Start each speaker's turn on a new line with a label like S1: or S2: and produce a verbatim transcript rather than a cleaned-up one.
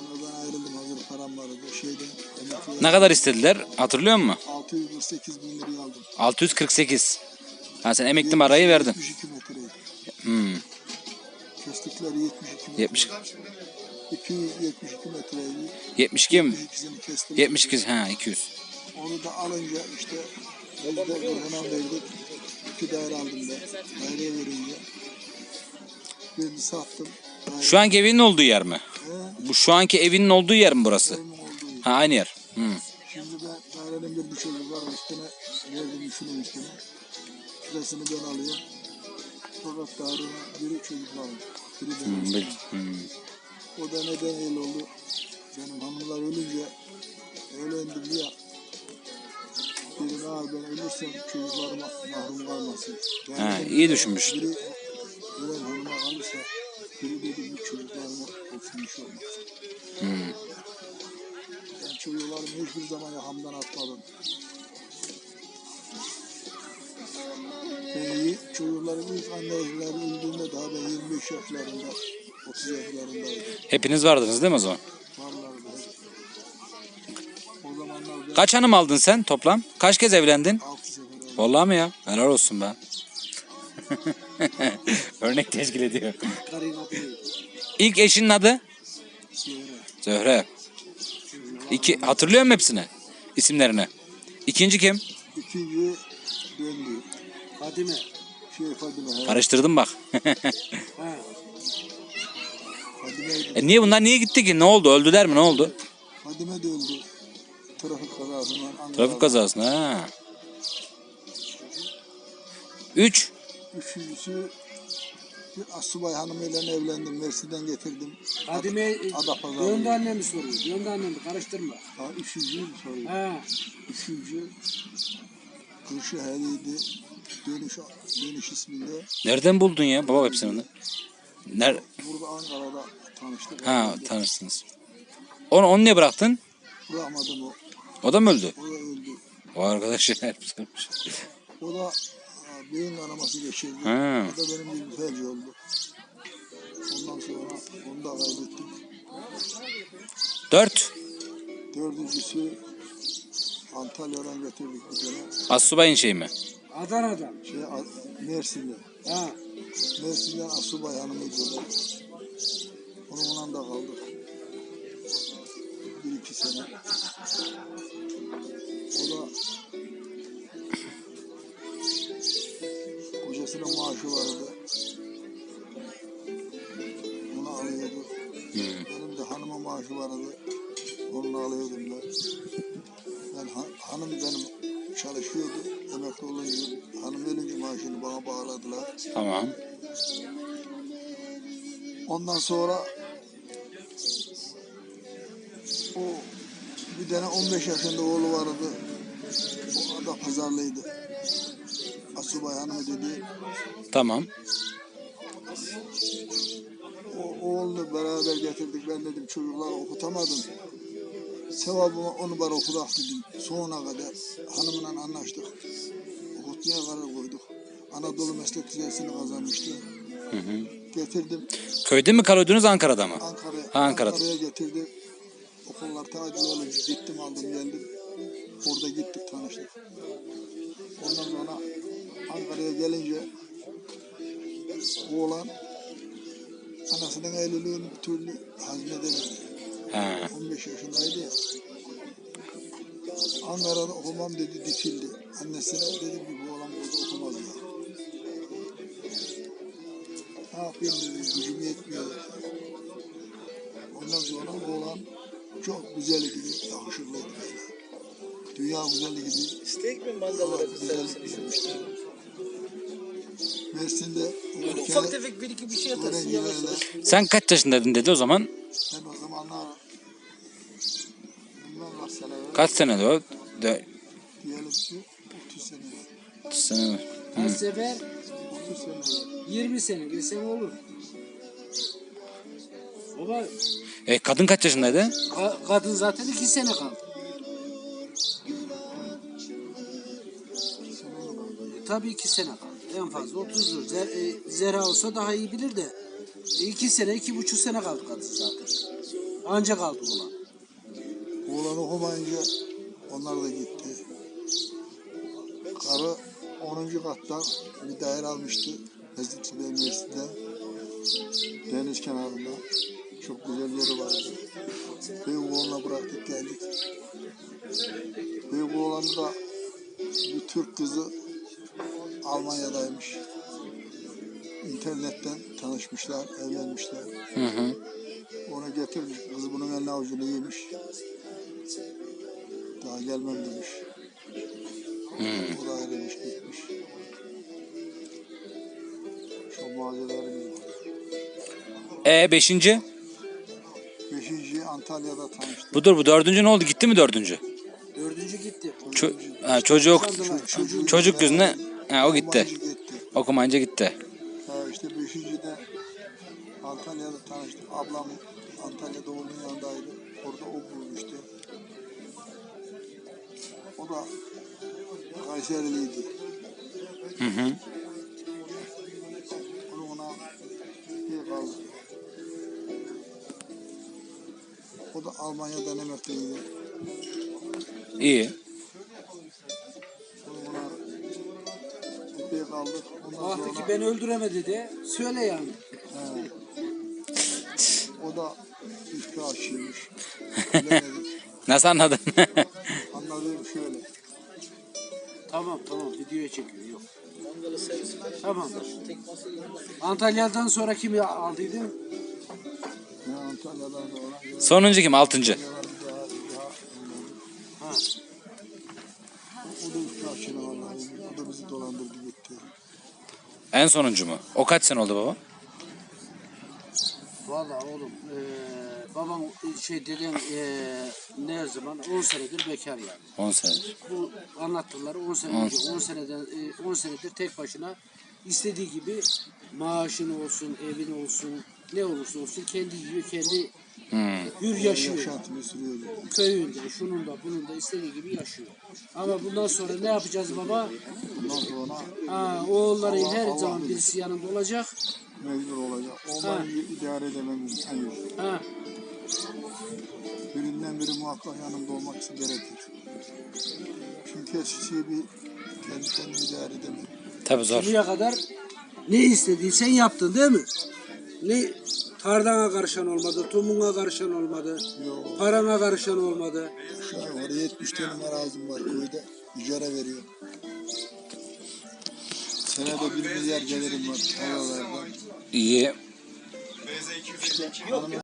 S1: Ben ayrıldım, hazır param vardı şeyden.
S2: Ne kadar istediler? Hatırlıyor musun?
S1: altı yüz kırk sekiz bin liraya aldım.
S2: altı yüz kırk sekiz. Ha sen emekli marayı verdin.
S1: yetmiş iki metreydi.
S2: Hmm.
S1: Kestikleri yetmiş iki metre.
S2: yetmiş.
S1: iki yüz yetmiş iki metreydi.
S2: yetmiş iki mi?
S1: yetmiş ikisini kestim.
S2: yetmiş iki ha iki yüz.
S1: Onu da alınca işte biz de buna verdik. İki daire aldım da. Daireye verince. Birini sattım. Daire.
S2: Şu anki evinin olduğu yer mi?
S1: He?
S2: Bu şu anki evinin olduğu yer mi burası?
S1: Evimin olduğu yer.
S2: Ha aynı yer. Hmm.
S1: Şimdi ben dairenin bir düşürü var üstüne verdim şunun üstüne. Şurasını ben alıyorum. Fakat dairenin biri çocuklarım. Biri benim.
S2: Hmm, bil- hmm.
S1: O da neden öyle oldu? Benim hanımlar ölünce öğlendim ya. Dedim abi ben ölürsem çocuklarıma mahrum kalmasın. Yani
S2: Ha,
S1: dedim,
S2: iyi düşünmüşsün.
S1: Biri ölen hanıma kalırsa biri dedim bu çocuklarıma olsun iş olmaz.
S2: Hmm.
S1: Ben çocuklarımı hiçbir zaman yakamdan atmadım. Ben iyi, çocuklarım ilk anneleri öldüğünde daha ben yirmi beş yaşlarında, otuz yaşlarındaydım.
S2: Hepiniz vardınız değil mi o zaman?
S1: Varlardı. O zamanlar ben
S2: Kaç hanım aldın sen toplam? Kaç kez evlendin?
S1: altı sefer öldüm.
S2: Vallahi mi ya? Helal olsun be. Örnek teşkil ediyor. İlk eşinin adı? Zöhre. İki, hatırlıyor musun hepsini? İsimlerini. İkinci kim?
S1: İkinci döndü. Fadime. Şey Fadime.
S2: Karıştırdım bak.
S1: Ha. Fadime,
S2: e niye bunlar niye gitti ki? Ne oldu? Öldüler mi? Ne oldu?
S1: Fadime de öldü. Trafik kazasından.
S2: Trafik kazasında. Ha. Üç.
S1: Üçüncüsü bir asubay hanımıyla evlendim. Mersin'den getirdim.
S3: Fadime
S1: Adapazarı.
S3: döndü annemi soruyor. Döndü annemi karıştırma.
S1: Ha, üçüncü soruyor.
S3: Ha.
S1: Üçüncü Kırşı Heli'ydi. Dönüş, dönüş isminde.
S2: Nereden buldun ya? Baba hepsini. Ner
S1: Burada Ankara'da tanıştık.
S2: ha tanırsınız. Onu, onu niye bıraktın?
S1: Bırakmadım o.
S2: O da mı öldü?
S1: O da öldü.
S2: O arkadaş hep
S1: O da ha, beyin kanaması geçirdi.
S2: Ha.
S1: O da benim gibi felç oldu. Ondan sonra onu da kaybettik.
S2: Dört.
S1: Dördüncüsü Antalya'dan getirdik bir tane.
S2: Assubayın şey mi?
S3: Adana'dan.
S1: Şey, A- Mersin'de.
S3: Ha.
S1: Mersin'den asubay hanımıydı o da. Onunla da kaldık. Bir iki sene. O da kocasının maaşı vardı. Onu alıyordu.
S2: Hmm.
S1: Benim de hanımın maaşı vardı. Onu alıyordum ben. Ben han- hanım benim çalışıyordu. Emekli olunca hanım ölünce maaşını bana bağladılar.
S2: Tamam.
S1: Ondan sonra o bir tane on beş yaşında oğlu vardı. O da pazarlıydı. Asubay hanımı dedi.
S2: Tamam.
S1: O oğlunu beraber getirdik. Ben dedim çocukları okutamadım. Sevabıma onu bana okudak dedim. Sonuna kadar hanımla anlaştık. Okutmaya karar koyduk. Anadolu Meslek Lisesi'ni kazanmıştı.
S2: Hı hı.
S1: Getirdim.
S2: Köyde mi kalıyordunuz Ankara'da mı?
S1: Ankara'ya
S2: Ha, Ankara'da.
S1: Ankara'ya getirdim. Okullar tacil olunca gittim aldım geldim. Orada gittik tanıştık. Ondan sonra Ankara'ya gelince oğlan anasının evliliğini bir türlü hazmedemedi.
S2: Ha.
S1: on beş yaşındaydı ya. Ankara'da okumam dedi dikildi. Annesine dedim ki bu oğlan burada okumaz ya. Ne yapayım dedim gücüm yetmiyor. Ondan sonra oğlan çok güzel gibi, yakışıklıydı böyle. Dünya güzeli gibi.
S4: İstek mi mandalara bir
S1: Güzellik
S4: servisini
S1: yapmıştı. Mersin'de
S4: Böyle
S1: ülkede
S4: ufak tefek bir iki bir şey atarsın yavaş yavaş.
S2: Sen kaç yaşındaydın dedi o zaman?
S1: ben o zamanlar bilmem kaç sene evvel,
S2: Kaç senede o? De,
S1: diyelim ki otuz sene evvel.
S2: otuz sene mi?
S3: Her sefer
S1: otuz sene evvel.
S3: yirmi sene desem olur. Baba
S2: E kadın kaç yaşındaydı?
S3: ka- kadın zaten iki sene kaldı. E, tabii iki sene kaldı. En fazla otuzdur. Zer, e, Zera olsa daha iyi bilir de. E, iki sene, iki buçuk sene kaldı kadın zaten. Ancak kaldı oğlan.
S1: Oğlan okumayınca onlar da gitti. Karı onuncu kattan bir daire almıştı. Mezitli Üniversitesi'de. Deniz kenarında. Çok güzel yeri vardı. Büyük oğlanla bıraktık geldik. Büyük oğlan da bir Türk kızı Almanya'daymış. İnternetten tanışmışlar, evlenmişler.
S2: Hı hı.
S1: Onu getirmiş, kız bunun eline avucunu yemiş. Daha gelmem demiş.
S2: Hı.
S1: O da ayrılmış gitmiş. Şu macerelerim var.
S2: E beşinci?
S1: Beşinci Antalya'da tanıştık.
S2: Budur bu dördüncü ne oldu? Gitti mi dördüncü?
S3: Dördüncü gitti.
S2: Ço- ha, çocuk
S3: Çocuğu-
S2: çocuk yüzüne ha, o gitti.
S1: Okumayınca gitti.
S2: Okumayınca gitti.
S1: Ha, işte beşincide Antalya'da tanıştık. Ablam Antalya'da onun yanındaydı. Orada o bulmuştu. O da Kayseriliydi.
S2: Hı hı.
S1: Onu ona bir kaldı. O da Almanya'dan emekliydi.
S2: İyi.
S1: Onu ona bir kaldı. Ondan
S3: Baktı ki
S1: sonra
S3: beni öldüremedi de söyle yani.
S1: he, o da üstü aşıymış. Bilemedim.
S2: Nasıl anladın?
S1: Anladığım şöyle.
S3: Tamam tamam videoya çekiyor yok.
S4: Mangalı servis.
S3: Tamam.
S4: Tek masa yanında.
S3: Antalya'dan sonra kimi aldıydın?
S1: Ne Antalya'dan sonra.
S2: Sonuncu kim? Altıncı.
S1: Antalya'dan bir daha, bir daha
S3: Ha.
S1: O da üstü aşıyla vallahi. O da bizi dolandırdı gitti.
S2: En sonuncu mu? O kaç sene oldu baba?
S3: Vallahi oğlum eee babam şey dedem eee ne zaman on senedir bekar yani.
S2: on senedir.
S3: Bu anlattıkları on sene
S2: On.
S3: önce on seneden eee, on senedir tek başına istediği gibi maaşın olsun, evin olsun, ne olursa olsun kendi yiyor, kendi
S2: Hmm.
S3: hür yaşıyor.
S1: Yaşantımı sürüyordu.
S3: Köyünde, şunun da bunun da istediği gibi yaşıyor. Ama bundan sonra ne yapacağız baba?
S1: Bundan sonra
S3: Ha, oğulların
S1: Allah-
S3: her
S1: Allah
S3: zaman
S1: bilir.
S3: birisi yanında olacak.
S1: mecbur olacak. Onları idare edemem imkan yok.
S3: Ha,
S1: Birinden biri muhakkak yanımda olmak gerekir. Çünkü eskisi bir kendi kendimi idare edemem.
S2: Tabii zor.
S3: şimdiye kadar ne istediysen yaptın değil mi? Ne tardana karışan olmadı, tomuğuna karışan olmadı,
S1: Yok.
S3: parana karışan olmadı.
S1: Aşağı yukarı yetmiş tane arazim var köyde. İcara veriyor. Senede bir milyar gelirim var. Havalardan.
S2: İyi.
S1: İşte hanımın